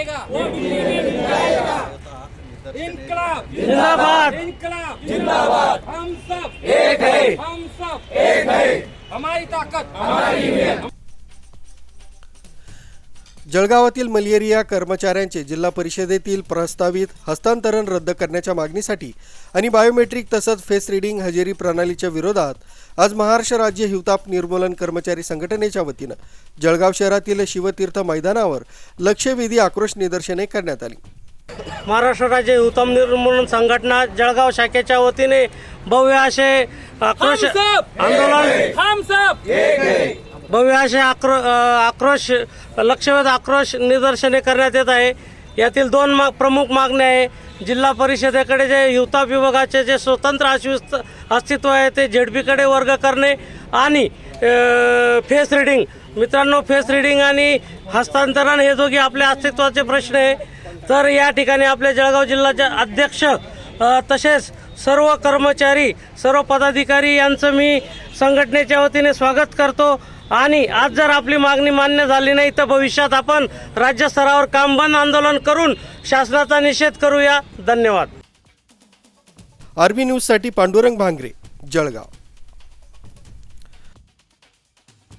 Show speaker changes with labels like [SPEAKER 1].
[SPEAKER 1] जाएगा, इनकलाब
[SPEAKER 2] जिंदाबाद,
[SPEAKER 1] इनकलाब
[SPEAKER 2] जिंदाबाद।
[SPEAKER 1] हम सब
[SPEAKER 2] एक है,
[SPEAKER 1] हम सब
[SPEAKER 2] एक है।
[SPEAKER 1] हमारी ताकत
[SPEAKER 2] हमारी हिम्मत।
[SPEAKER 3] जळगावातील मलेरिया कर्मचाऱ्यांचे जिल्हा परिषदेतील प्रस्तावित हस्तांतरण रद्द करण्याच्या मागणीसाठी आणि बायोमेट्रिक तसंच फेस रीडिंग हजेरी प्रणालीच्या विरोधात आज महाराष्ट्र राज्य हिवताप निर्मूलन कर्मचारी संघटनेच्या वतीनं जळगाव शहरातील शिवतीर्थ मैदानावर लक्षवेधी आक्रोश निदर्शने करण्यात आली।
[SPEAKER 2] महाराष्ट्र राज्य हिवताप निर्मूलन संघटना जळगाव शाखेच्या वतीने भव्य असे आक्रोश आंदोलन
[SPEAKER 1] हम सब
[SPEAKER 2] भव्य असे आक्रोश लक्षवेध आक्रोश निदर्शने करण्यात येत आहे। यातील दोन प्रमुख मागण्या आहे। जिल्हा परिषदेकडे जे हिवताप विभागाचे जे स्वतंत्र अस्तित्व आहे ते झेडपीकडे वर्ग करणे आणि फेस रीडिंग मित्रांनो फेस रीडिंग आणि हस्तांतरण हे दोघे आपल्या अस्तित्वाचे प्रश्न आहे। तर या ठिकाणी आपल्या जळगाव जिल्ह्याचे अध्यक्ष तसेच सर्व कर्मचारी सर्व पदाधिकारी यांचं मी संघटनेच्या वतीने स्वागत करतो आणि आज जर आपली मागणी मान्य झाली नाही तर भविष्यात आपण राज्य स्तरावर काम बंद आंदोलन करून शासनाचा निषेध करूया। धन्यवाद।
[SPEAKER 3] आर्मी न्यूजसाठी पांडुरंग भांगरे, जळगाव।